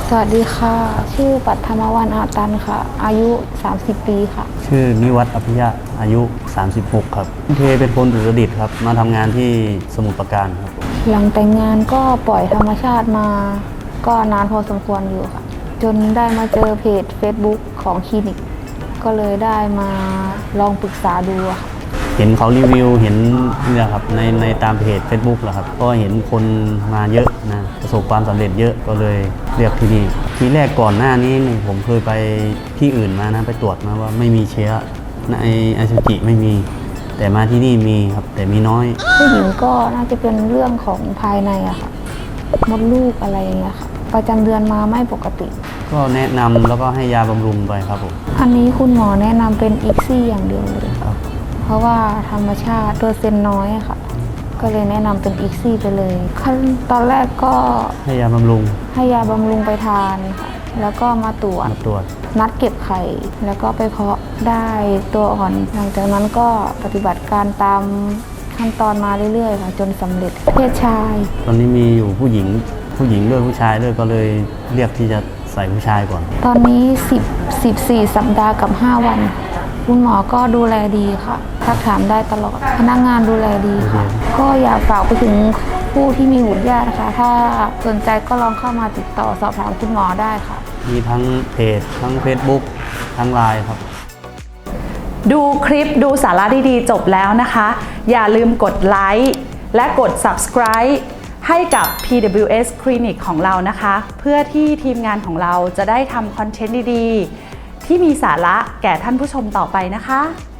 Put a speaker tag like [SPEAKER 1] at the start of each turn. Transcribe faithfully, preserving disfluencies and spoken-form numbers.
[SPEAKER 1] สวัสดีค่ะชื่อปัทมวรรณอาตันค่ะอายุสามสิบปีค่ะ
[SPEAKER 2] ชื่อนิวัฒน์อภิยะอายุสามสิบหกครับเทเป็นคนอุตรดิตถ์ครับมาทำงานที่สมุทรปราการครับ
[SPEAKER 1] หลังแต่งงานก็ปล่อยธรรมชาติมาก็นานพอสมควรอยู่ค่ะจนได้มาเจอเพจ Facebook ของคลินิกก็เลยได้มาลองปรึกษาดูค่ะ
[SPEAKER 2] เห็นเขารีวิวเห็นเนี่ยครับในในตามเพจ Facebook แหละครับก็เห็นคนมาเยอะนะประสบความสำเร็จเยอะก็เลยเรียกที่นี่ทีแรกก่อนหน้านี้นี่ผมเคยไปที่อื่นมานะไปตรวจมาว่าไม่มีเชื้อในอสุจิไม่มีแต่มาที่นี่มีครับแต่มีน้อย
[SPEAKER 1] ผู้หญิงก็น่าจะเป็นเรื่องของภายในอะค่ะมดลูกอะไรอย่างเงี้ยค่ะประจำเดือนมาไม่ปกติ
[SPEAKER 2] ก็แนะนำแล้วก็ให้ยาบำรุงไปครับผม
[SPEAKER 1] อันนี้คุณหมอแนะนำเป็นอีกซี่อย่างเดียวเลยครับเพราะว่าธรรมชาติเปอร์เซ็นต์น้อยค่ะก็เลยแนะนำเป็นอีกซี่ไปเลยขั้นตอนแรกก็
[SPEAKER 2] ให้ยาบำรุง
[SPEAKER 1] ให้ยาบำรุงไปทานค่ะแล้วก็มาตรวจ
[SPEAKER 2] มาตรวจ
[SPEAKER 1] นัดเก็บไข่แล้วก็ไปเพาะได้ตัวอ่อนหลังจากนั้นก็ปฏิบัติการตามขั้นตอนมาเรื่อยๆค่ะจนสำเร็จเพศชาย
[SPEAKER 2] ตอนนี้มีอยู่ผู้หญิงผู้หญิงด้วยผู้ชายด้วยก็เลยเรียกที่จะใส่ผู้ชายก่อน
[SPEAKER 1] ตอนนี้สิบ สิบสี่สัปดาห์กับห้าวันคุณหมอก็ดูแลดีค่ะทักถามได้ตลอดพนักงานดูแลดีค่ะก็อยากฝากไปถึงผู้ที่มีบุตรยากนะคะถ้าสนใจก็ลองเข้ามาติดต่อสอบถามคุณหมอได้ค่ะ
[SPEAKER 2] มีทั้งเพจทั้ง Facebook ทั้ง ไลน์ ครับ
[SPEAKER 3] ดูคลิปดูสาระดีๆจบแล้วนะคะอย่าลืมกดไลค์และกด Subscribe ให้กับ พี ดับเบิลยู เอส Clinic ของเรานะคะเพื่อที่ทีมงานของเราจะได้ทำคอนเทนต์ดีๆที่มีสาระแก่ท่านผู้ชมต่อไปนะคะ